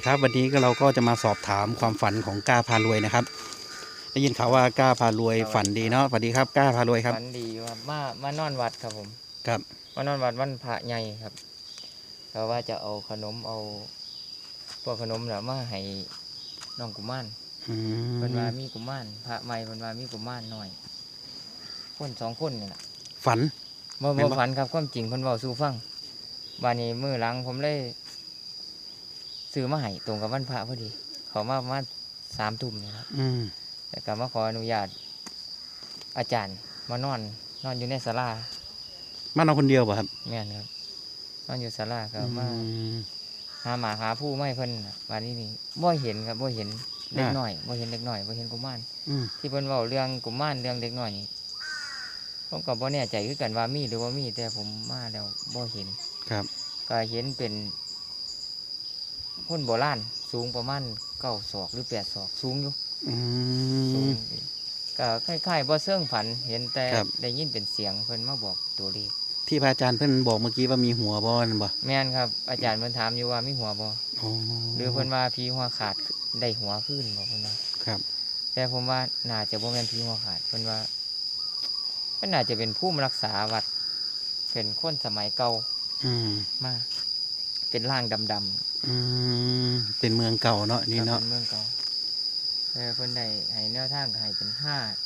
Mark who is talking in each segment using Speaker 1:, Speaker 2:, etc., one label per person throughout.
Speaker 1: ครับวันนี้เราก็จะมาสอบถามความฝันของกล้าพารวยนะครับได้ยินข่าวว่ากล้าพารวยฝันดีเนาะสวัสดีครับกล้าพารวยครับ
Speaker 2: ฝันดีครับมานอนวัดครับผม
Speaker 1: ครับ
Speaker 2: มานอนวัดวันพระใหญ่ครับก็ว่าจะเอาขนมเอาพวกขนมน่ะมาให้น้องกุมารเพิ่นว่ามีกุมารพระใหม่เพิ่นว่ามีกุมารน้อยคนสองคนนี่แหละ
Speaker 1: ฝัน
Speaker 2: บ่ฝันครับความจริงเพิ่นเว้าสู่ฟังบัดนี้มื้อหลังผมเลยซื้อมาให้ตรงกับวันพระพอดีเขามาประมาณ3 ทุ่มนี่ครับแต่ก็มาขออนุญาตอาจารย์มานอนอยู่ในศาลาม
Speaker 1: านอนคนเดียวป่ะครับ
Speaker 2: แม่นครับนอนอยู่ศาลาก็มาหาหมาหาผู้ไม่เพิ่นวันนี้นี่บ่เห็นครับบ่เห็นเด็กน้อยบ่เห็นเด็กน้อยบ่เห็นกุมารที่เพิ่นเว้าเรื่องกุมารเรื่องเด็กน้อยนี่ผมก็บ่แน่ใจคือกันว่ามีหรือบ่มีแต่ผมมาแล้วบ่เห็น
Speaker 1: ครับ
Speaker 2: ก็เห็นเป็นคนโบราณสูงประมาณ9 ศอกหรือ8 ศอกสูงอยู่สูงก็คล้ายๆบ่เชิงฝันเห็นแต่ได้ยินเป็นเสียงเพิ่นมาบอกตัวเลข
Speaker 1: ที่พระอาจารย์เพิ่นบอกเมื่อกี้ว่ามีหัวบ่นั่นบ่
Speaker 2: แม่นครับอาจารย์เพิ่นถามอยู่ว่ามีหัวบ่หรือเพิ่นว่าผีหัวขาดได้หัวขึ้นบ่เพิ่นว่า
Speaker 1: ครับ
Speaker 2: แต่ผมว่าน่าจะบ่แม่นผีหัวขาดเพิ่นว่าเพิ่นน่าจะเป็นผู้รักษาวัดเป็นคนสมัยเก่ามาเป็นร่างดำ
Speaker 1: เป็นเมืองเก่าเนาะนี่เนาะ
Speaker 2: เป็นเมืองเก่าแต่เพิ่นได้ให้แนวทางให้เป็น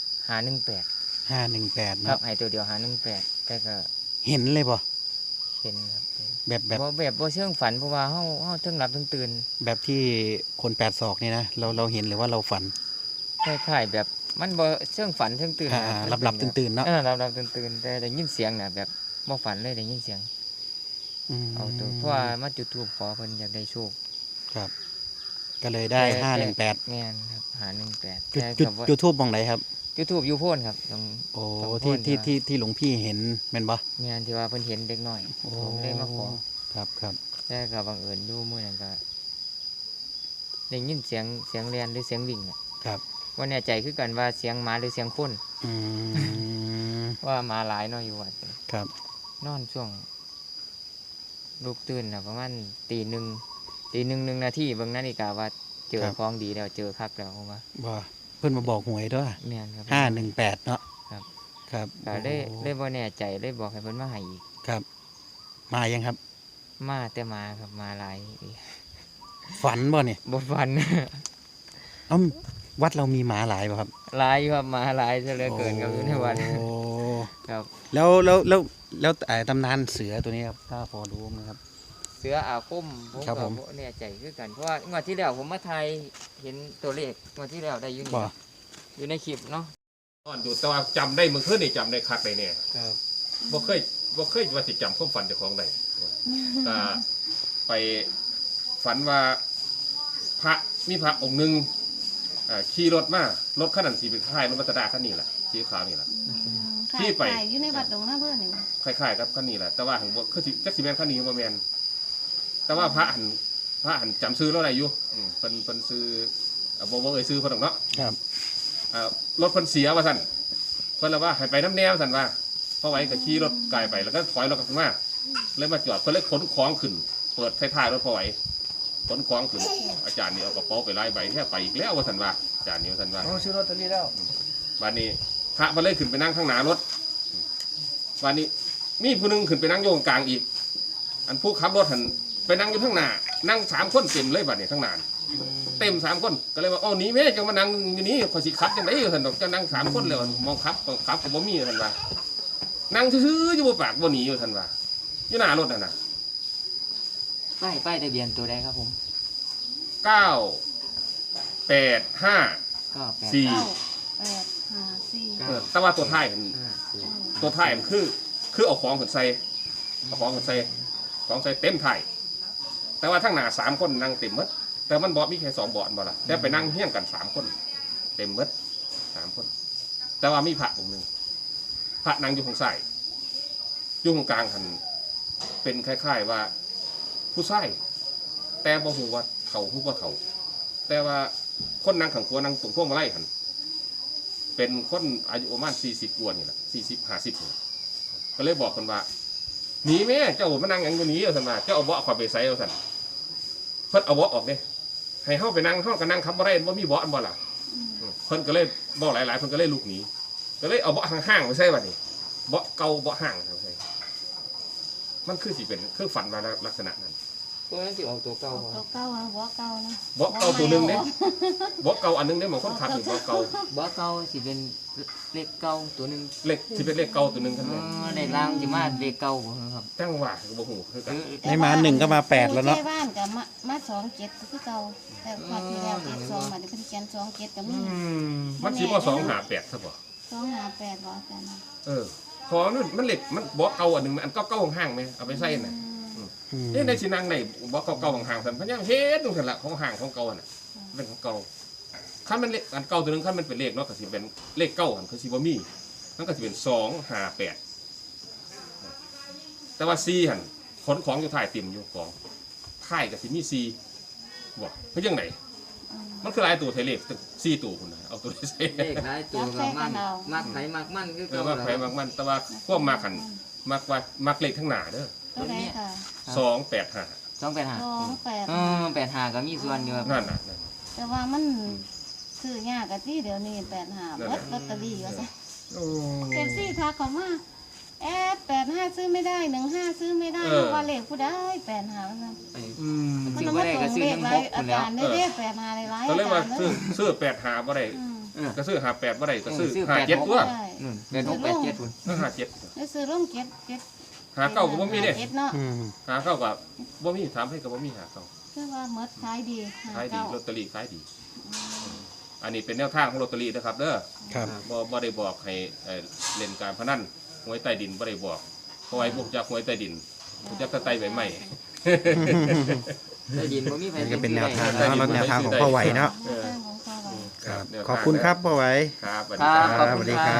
Speaker 2: 518เนาะครับให้ตัวเดียว518แต่ก็
Speaker 1: เห็นเลยบ่
Speaker 2: เห็นครับ
Speaker 1: แบบ
Speaker 2: บ่เชิงฝันเพราะว่าเฮาถึงหลับถึงตื่น
Speaker 1: แบบที่คน8 ศอกนี่นะเราเห็นหรือว่าเราฝัน
Speaker 2: คล้ายๆแบบมันบ่เชิงฝันเชิงตื่น
Speaker 1: หลับตื่นเนาะ
Speaker 2: หลับตื่นแต่ได้ยินเสียงน่ะแบบบ่ฝันเลยได้ยินเสียงเอาตัวเพราะว่ามาจุดธูปขอเพิ่นอยากได้โชค
Speaker 1: ครับก็เลยได้518
Speaker 2: แม่นครับ518
Speaker 1: จุดธูปมองไหนครับ
Speaker 2: จุดธูปอยู่โพ้นครับตรง
Speaker 1: ที่หลวงพี่เห็นแม่นบ่
Speaker 2: แม่นที่ว่าเพิ่นเห็นเด็กน้อยผมได้มาขอ
Speaker 1: ครับ
Speaker 2: แต่ก็บังเอิญอยู่มื้อนั้นก็ได้ยินเสียงเรียนหรือเสียงวิ่งน่ะ
Speaker 1: ครับ
Speaker 2: บ่แน่ใจคือกันว่าเสียงหมาหรือเสียงคนว่าหมาหลายเนาะอยู่วัด
Speaker 1: ครับ
Speaker 2: นอนช่วงลุกตื่นน่ะประมาณตีหนึ่ง1 นาทีเบิ่งนาฬิกาว่าเจอของดีแล้วเจอคักแล้วผมว่า
Speaker 1: บ่เพิ่นมาบอกหวยด้วย
Speaker 2: แม่นครับ
Speaker 1: 518เนาะ
Speaker 2: ครับ
Speaker 1: ก็
Speaker 2: ได้บ่แน่ใจเลยบอกให้เพิ่นมาให้อีก
Speaker 1: ครับมายังครับ
Speaker 2: มาแต่มาครับมาหลาย
Speaker 1: ฝันบ่เนี่ย
Speaker 2: บ่ฝัน
Speaker 1: วัดเรามีหมาหลายป่ะครับ
Speaker 2: หลายอยู่ครับหมาหลายซะเหลือเกินครับอยู่ในวัดครับ
Speaker 1: แล้วตำนานเสือตัวนี้ครับถ้าพอรู้มั้ยครับ
Speaker 2: เสืออาคมผมก็บ่แน่ใจคือกันเพราะว่างวดที่แล้วผมมาถ่ายเห็นตัวเลขงวดที่แล้วได้อยู่ในคลิปเนาะ
Speaker 3: ตอนอยู่แต่ว่าจำได้มึงเคยนี่จำได้คักเลยเนี่ย
Speaker 2: ครับ
Speaker 3: บ่เคยว่าสิจำความฝันเจ้าของได้ก็ไปฝันว่ามีพระองค์นึงขี่รถมารถคันนั้นสิเป็นคล้ายรถมัตตาคันนี้แหละสีขาวนี่แหละ
Speaker 4: ที่ไปอยู่ในวัดดงหน้าเพิ่นนี่
Speaker 3: คล้ายๆกับคันนี้แหละแต่ว่าหังบ่คือจักสิแม่นคันนี้บ่แม่นแต่ว่าพระหันจำซื้อแล้วได้อยู่เพิ่นซื้อบ่เอ่ยซื้อเพิ่นดอกเนาะ
Speaker 1: ครับ
Speaker 3: รถเพิ่นเสียว่าซั่นเพิ่นเลยว่าให้ไปน้ำแนวซั่นว่าพอไว้ก็ขี่รถไกลไปแล้วก็ถอยรถกลับมาเลยมาจอดเพิ่นเลยขนของขึ้นเปิดท้ายรถพอไว้ขนของขึ้นอาจารย์นี่เอากระเป๋าไปไล่ใบแค่ไปอีกแล้วว่าซั่นว่าอาจารย์นี่ว่าซั่นว่า
Speaker 2: ซื้อลอตเตอรี่แล้ว
Speaker 3: บัดนี้พระเพิ่นเลยขึ้นไปนั่งข้างหน้ารถบัดนี้มีผู้นึงขึ้นไปนั่งอยู่กลางอีกอันผู้ขับรถหันไปนั่งอยู่ข้างหน้านั่ง3 คนเต็มเลยบัดนี้ข้างหน้าเต็ม3 คนก็เลยว่าอ๋อนี่แม่จังมานั่งอยู่นี่ข่อยสิขับจังได๋ซั่นดอกจะนั่ง3 คนแล้วมองขับก็บ่มีซั่นว่านั่งซื่อๆอยู่บ่ปากบ่หนีอยู่ซั่นว่าอยู่หน้ารถนั่นน่ะ
Speaker 2: ป้ายทะเบียนตัวใดครับผม
Speaker 3: 985 4แต่ว่าตัวท้ายคือเอาของขึ้นใส่ของใส่เต็มท้ายแต่ว่าทั้งหน้า3 คนนั่งเต็มหมดแต่มันบ่มีแค่2 เบาะบ่ล่ะแต่ไปนั่งเฮี้ยงกัน3 คนเต็มหมด3 คนแต่ว่ามีพระองค์นึงพระนั่งอยู่ข้างซ้ายอยู่ตรงกลางหันเป็นคล้ายๆว่าผู้ชายแต่บ่ฮู้ว่าเฒ่าฮู้บ่เฒ่าแต่ว่าคนนั่งข้างขวานั่งตรงพวงมาลัยหันเป็นคนอายุประมาณ40 กว่านี่แหละ40-50นี่ก็เลยบอกเพิ่นว่าหนีแม่เจ้ามานั่งหยังอยู่นี้เอาซั่นว่าเจ้าเอาเบาะข่อยไปใส่เอาซั่นเพิ่นเอาเบาะออกเด้ให้เฮาไปนั่งเฮาก็นั่งขับบ่ได้บ่มีเบาะบ่ล่ะเพิ่นก็เลยบ่หลายๆเพิ่นก็เลยลุกหนีก็เลยเอาเบาะห่างๆไปใส่บัดนี้เบาะเก่าเบาะห่างไปใส่มันคือสิเป็นคือฝันว่าลักษณะนั้น
Speaker 2: ตัวนั้นสิออกตัวเก่า
Speaker 4: ตัวเก่าอะหัวเก่านะ
Speaker 3: เบาะเก่าตัวหนึงเด้เบาะเก่าอันนึงเด้บางคนขับนี่เบาะเก่า
Speaker 2: บ่เก่าสิเป็นเลขเก่าตัวหนึง
Speaker 3: เลขสิเป็นเลขเก่าตัวหนึงคั่นแม่น
Speaker 2: เลขล่างสิมาเลขเก่าบ่ครับ
Speaker 3: จังว่าก็บ่ฮู้คือกัน
Speaker 1: ไม่มา1ก็มา8แล้วเนาะ
Speaker 4: ผู้ใช้บ้านกับมา27คือเก่าแต่พอที่แล้ว72มาได้เพิ่นเขียน27ก็มี
Speaker 3: มันสิบ่258ซะบ่
Speaker 4: 258บ่อาจารย์
Speaker 3: พอมันเหล็กมันเบาะเก่าอันนึงอันเก่าๆห่างๆแม่เอาไปใส่น่ะ ในสินั่งในบ่เก่าๆห่างๆซั่นพะยังเฮ็ดจังซั่นล่ะของห่างของเก่าน่ะเป็นของเก่าคันมันเลขอันเก่าตัวนึงคันมันเป็นเลขเนาะก็สิเป็นเลขเก่าหั่นคือสิบ่มีมันก็สิเป็น258แต่ว่า4หั่นขนของอยู่ท้ายติ่มอยู่ของท้ายก็สิมี4บ่คือจังไดมันคือหลายตัวไทยเลข4ตัวพุ่นน่ะเอาตัวใส่
Speaker 2: เลขหลายตัวก็มักไผมักมันคือเก่า
Speaker 3: ว่าไผมักมันแต่ว่าความมักหั่นมักเลขทั้งหน้าเด้อ
Speaker 4: ตัวใดค่ะ
Speaker 3: 285
Speaker 2: 285 85ก็มีส่วนอยู่ครับ
Speaker 3: นั่นน่ะ
Speaker 4: แต่ว่ามันซื้อยากอะที่เดี๋ยวนี้85เบิดลอตเตอรี่ว่าซะ
Speaker 3: โอ้
Speaker 4: FC ทักเข้ามา85ซื้อไม่ได้15ซื้อไม่ได้เพราะว่าเลขผู้ใด85ว่าซั่น มัน
Speaker 2: ซื้อ
Speaker 4: เอา
Speaker 2: บ่
Speaker 4: มา
Speaker 2: ได้
Speaker 4: ส่
Speaker 2: ก็
Speaker 4: ง
Speaker 2: ซื้อ
Speaker 4: เลข
Speaker 2: น้ำ
Speaker 4: ห
Speaker 2: บ
Speaker 4: ลาย
Speaker 2: ก
Speaker 4: อา
Speaker 2: พุ่นแล้ว
Speaker 4: จารย์ได้เลข85หลายๆ
Speaker 3: ก็เลย
Speaker 4: อา
Speaker 3: ว่า
Speaker 4: จารย์เด้อ
Speaker 3: ซื้อ85บ่ได้
Speaker 4: อืม
Speaker 3: ก็ซื้อ58บ่ได้ก็ซื้อ
Speaker 2: ซื้อ
Speaker 3: 57ตัว
Speaker 4: ใช่
Speaker 2: นู่นเป็น687พุ่น
Speaker 3: ซื้อ57
Speaker 4: แล้วซื้อร่มเก็ด
Speaker 3: หาเก้าก็บ่มีเด้
Speaker 4: เก็ดเนาะ
Speaker 3: หาเก้าก็บ่มีถามให้ก็บ่มีหาเก้า
Speaker 4: คือว่าหมดขายดี
Speaker 3: ขายดี
Speaker 4: 59
Speaker 3: ลอตเตอรี่ขายดี อันนี้เป็นแนวทางของลอตเตอรี่นะครับเด้อ
Speaker 1: ครับ
Speaker 3: บ่ได้บอกให้เล่นการพนันหวยใต้ดินบ่ได้บอกเพราะไอ้พวกจักหวยใต้ดินพวกจักตะไตใบไม้
Speaker 2: ได้ดินบ่มีไผ
Speaker 1: นี่ก็เป็นแนวทางเนาะแล้วแนวทางของพ่อไหวเนาะ
Speaker 4: แนวทางของพ่อไหว
Speaker 1: ครับขอบคุณครับพ่อไหว
Speaker 3: ครับสวัส
Speaker 2: ค
Speaker 3: ดี
Speaker 2: รับ
Speaker 3: ค
Speaker 2: ขอ
Speaker 3: รั
Speaker 2: บบ คุณ
Speaker 1: สวัสดี
Speaker 2: ค
Speaker 1: ครั
Speaker 2: รับ บ